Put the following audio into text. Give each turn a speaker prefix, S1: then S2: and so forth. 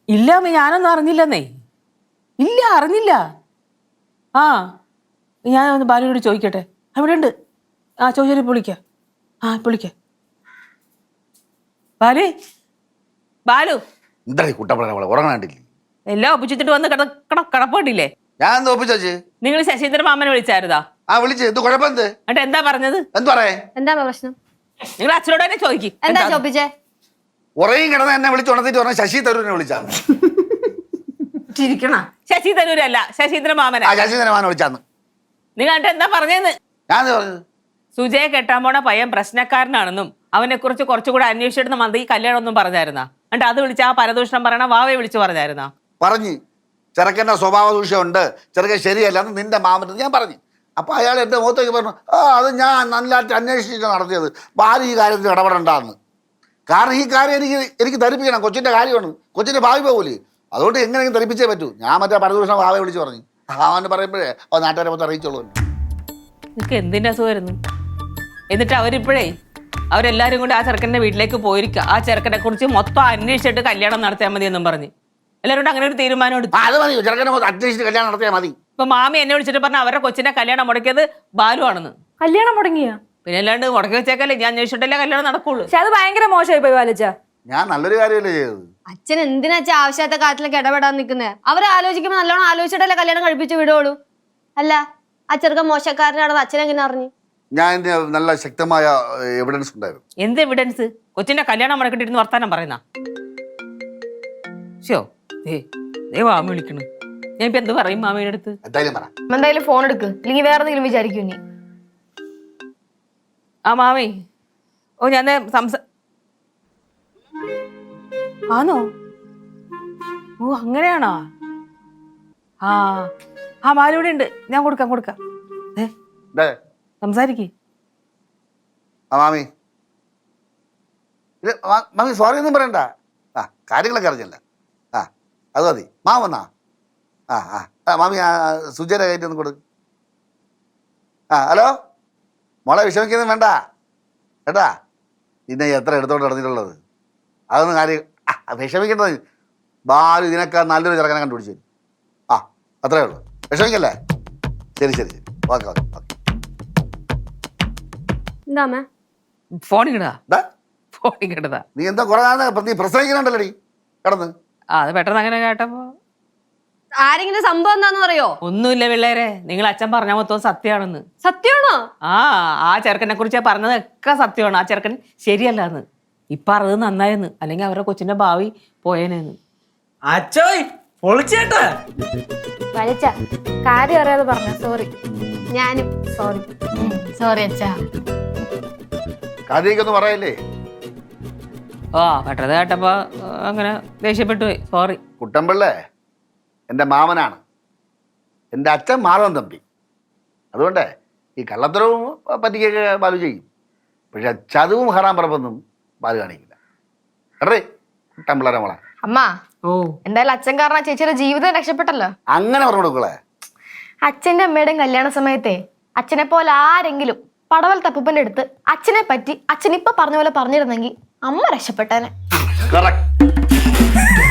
S1: ഇല്ല അമ്മ, ഞാനൊന്നും അറിഞ്ഞില്ലെന്നേ. ഇല്ല, അറിഞ്ഞില്ല. ആ, ഞാൻ ഒന്ന് ബാലുവിനോട് ചോദിക്കട്ടെ. അവിടെ ഉണ്ട്. ആ, ചോദിച്ചാൽ വിളിക്കാം. ആ, വിളിക്കാം. ബാലു, ബാലു,
S2: എന്താ കുട്ടപ്പള ഉറങ്ങാണ്ടില്ലേ?
S1: എല്ലാം ഒപ്പിച്ചിട്ട് വന്ന് കിടപ്പുണ്ടില്ലേ?
S2: ഞാൻ എന്താ ഒപ്പിച്ചു?
S1: നിങ്ങൾ ശശീന്ദ്രൻ മാമനെ വിളിച്ചായിരുന്നാ?
S2: ആ, വിളിച്ചു. എന്ത് കുഴപ്പം?
S1: എന്നിട്ട് എന്താ പറഞ്ഞത്?
S3: എന്താ പ്രശ്നം?
S1: നിങ്ങൾ അച്ഛനോട് തന്നെ ചോദിക്കും.
S3: എന്താ ചോദിച്ചേ?
S2: ഉറയും കിടന്ന് എന്നെ വിളിച്ചുണർത്തിട്ട് പറഞ്ഞ ശശി തരൂരിനെ വിളിച്ചാന്ന്.
S1: ചിരിക്കണ? ശശി തരൂരല്ല, ശശീന്ദ്രൻ മാമനെ.
S2: ശശീന്ദ്രൻ വിളിച്ചാന്ന്.
S1: നിങ്ങൾ എന്നിട്ട് എന്താ പറഞ്ഞതെന്ന്?
S2: ഞാൻ പറഞ്ഞത്
S1: സുജയെ കെട്ടാൻ പോണ പയ്യൻ പ്രശ്നക്കാരനാണെന്നും അവനെ കുറിച്ച് കുറച്ചുകൂടെ അന്വേഷിച്ചിടുന്ന മന്ത്രി കല്യാണം ഒന്നും പറഞ്ഞായിരുന്നാ? എന്നിട്ട് അത് വിളിച്ച് ആ പരദൂഷണം പറയണ വാവയെ വിളിച്ചു പറഞ്ഞായിരുന്നാ?
S2: പറഞ്ഞു. ചെറുക്കൻ്റെ സ്വഭാവ ദൂഷ്യമുണ്ട്, ചെറുക്കൻ ശരിയല്ലെന്ന് നിന്റെ മാമന് ഞാൻ പറഞ്ഞു. അപ്പൊ അയാൾ എന്റെ മുഖത്തേക്ക് പറഞ്ഞു, അത് ഞാൻ നല്ലതായിട്ട് അന്വേഷിച്ചിട്ട് നടത്തിയത്, ഭാര്യ ഈ കാര്യത്തിൽ ഇടപെടണ്ടെന്ന്. കാരണം ഈ കാര്യം എനിക്ക് ധരിപ്പിക്കണം. കൊച്ചിന്റെ കാര്യമാണ്, കൊച്ചിന്റെ ഭാവി പോകൂലേ. അതുകൊണ്ട് എങ്ങനെയെങ്കിലും ധരിപ്പിച്ചേ പറ്റൂ. ഞാൻ മറ്റേ പരദൂഷണം വാവയെ വിളിച്ച് പറഞ്ഞു. അവന് പറയുമ്പോഴേ നാട്ടുകാരെ മൊത്തം അറിയിച്ചോളൂ.
S1: നിനക്ക് എന്തിന്റെ അസുഖമായിരുന്നു? എന്നിട്ട് അവരെല്ലാരും കൂടി ആ ചെറുക്കൻ്റെ വീട്ടിലേക്ക് പോയിരിക്കുക. ആ ചെറുക്കനെ കുറിച്ച് മൊത്തം അന്വേഷിച്ചിട്ട് കല്യാണം നടത്തിയാൽ മതി എന്നും പറഞ്ഞ് എല്ലാവരും അങ്ങനെ ഒരു തീരുമാനം എടുത്തു.
S2: അത് മതി, ചെറുക്കനെ അന്വേഷിച്ചിട്ട് കല്യാണം നടത്തിയാൽ മതി.
S1: ഇപ്പൊ മാമി എന്നെ വിളിച്ചിട്ട് പറഞ്ഞ അവരുടെ കൊച്ചിന്റെ കല്യാണം മുടക്കിയത് ബാലു ആണെന്ന്.
S3: കല്യാണം മുടങ്ങിയ?
S1: പിന്നെ അല്ലാണ്ട് മുടക്കി വെച്ചേക്കല്ലേ, ഞാൻ അന്വേഷിച്ചിട്ടല്ലേ കല്യാണം നടക്കുള്ളൂ.
S3: പക്ഷെ അത് ഭയങ്കര മോശമായി പോയി ബാലച്ച.
S2: ഞാൻ നല്ലൊരു കാര്യമല്ലേ ചെയ്തത്.
S3: അച്ഛൻ എന്തിനാച്ചാ ആവശ്യത്തെ കാര്യത്തിലൊക്കെ ഇടപെടാൻ നിൽക്കുന്നത്? അവരെ ആലോചിക്കുമ്പോൾ നല്ലോണം ആലോചിച്ചിട്ടല്ലേ കല്യാണം കഴിപ്പിച്ച് വിടുള്ളൂ. അല്ല, ആ ചെറുക്കൻ മോശക്കാരനാണെന്ന് അച്ഛനെങ്ങനെ അറിഞ്ഞു?
S2: ഞാൻ നല്ല ശക്തമായ എവിഡൻസ് ഉണ്ടായിരുന്നു.
S1: എന്ത് എവിഡൻസ്? കൊച്ചിന്റെ കല്യാണം മുടക്കിട്ടിരുന്ന് വർത്താനം പറയുന്ന ഷോ മാമി വിളിക്കണു. ഞാൻ ഇപ്പൊ എന്ത് പറയും മാമിയുടെ അടുത്ത്?
S3: എന്തായാലും ഫോൺ എടുക്ക്, ഇല്ലെങ്കിൽ വേറെ എന്തെങ്കിലും വിചാരിക്കും നീ.
S1: ആ മാമി, ഓ ഞാൻ ആണോ? ഓ അങ്ങനെയാണോ? ആ മാലിവിടെ ഉണ്ട്, ഞാൻ കൊടുക്കാം. സംസാരിക്കേ.
S2: മാമി മാമി സോറി ഒന്നും പറയണ്ട. കാര്യങ്ങളൊക്കെ അറിഞ്ഞല്ല. അത് മതി. വന്നാ മാമി സുജയുടെ കയറ്റി ഒന്ന് കൊടുക്ക്. ഹലോ മോളെ, വിഷമിക്കൊന്നും വേണ്ട കേട്ടാ. പിന്നെ എത്ര എടുത്തോണ്ട് നടന്നിട്ടുള്ളത് അതൊന്നും കാര്യം വിഷമിക്കേണ്ടത്. ബാലു ഇതിനൊക്കെ നല്ലൊരു ചെറുക്കനെ കണ്ടുപിടിച്ചു. അത്രേ ഉള്ളൂ, വിഷമിക്കല്ലേ. ശരി. ഓക്കെ.
S1: ഫോണിക്കടാ.
S2: നീ എന്താ കുറെ നീ പ്രസംഗിക്കുന്നുണ്ടല്ലോടി കിടന്ന്.
S1: അത് പെട്ടെന്ന് അങ്ങനെ കേട്ടപ്പോ.
S3: ആരെങ്കിലും സംഭവം എന്താന്ന് പറയോ?
S1: ഒന്നുമില്ല പിള്ളേരെ, നിങ്ങൾ അച്ഛൻ പറഞ്ഞ മൊത്തം സത്യമാണെന്ന്.
S3: സത്യമാണോ?
S1: ആ ചെറുക്കനെ കുറിച്ച് പറഞ്ഞതൊക്കെ സത്യമാണ്. ആ ചെറുക്കൻ ശരിയല്ലാന്ന്. ഇപ്പൊ അത് നന്നായെന്ന്, അല്ലെങ്കിൽ അവരുടെ കൊച്ചിന്റെ ഭാവി പോയേനെന്ന്.
S3: വലിച്ച കാര്യം അറിയാതെ പറഞ്ഞ സോറി. ഞാനും സോറി അച്ഛാ.
S2: കാര്യമൊന്നും പറയല്ലേ.
S1: പെട്ടത് കേട്ടപ്പോ അങ്ങനെ ദേഷ്യപ്പെട്ടു പോയി. സോറി.
S2: കുട്ടമ്പിള്ളേ എൻ്റെ മാമനാണ്. എൻ്റെ അച്ഛൻ മാധവൻ തമ്പി. അതുകൊണ്ട് ഈ കള്ളത്തരവും പറ്റിക്കൊക്കെ ബാലു ചെയ്യും. പക്ഷെ ചതുവും ഹറാം പറമ്പൊന്നും ബാലു കാണിക്കില്ല. കേട്ടേ കുട്ടമ്പിള്ളേരെ മോളെ.
S3: അമ്മ, എന്തായാലും അച്ഛൻ കാരണം ചേച്ചിയുടെ ജീവിതം രക്ഷപ്പെട്ടല്ലോ.
S2: അങ്ങനെ പറഞ്ഞു കൊടുക്കളെ.
S3: അച്ഛന്റെ അമ്മയുടെയും കല്യാണ സമയത്തെ അച്ഛനെ പോലെ ആരെങ്കിലും പടവൽ തപ്പൂപ്പന്റെ അടുത്ത് അച്ഛനെ പറ്റി അച്ഛൻ ഇപ്പൊ പറഞ്ഞ പോലെ പറഞ്ഞിരുന്നെങ്കിൽ അമ്മ രക്ഷപ്പെട്ടേനെ.
S2: കറക്റ്റ്.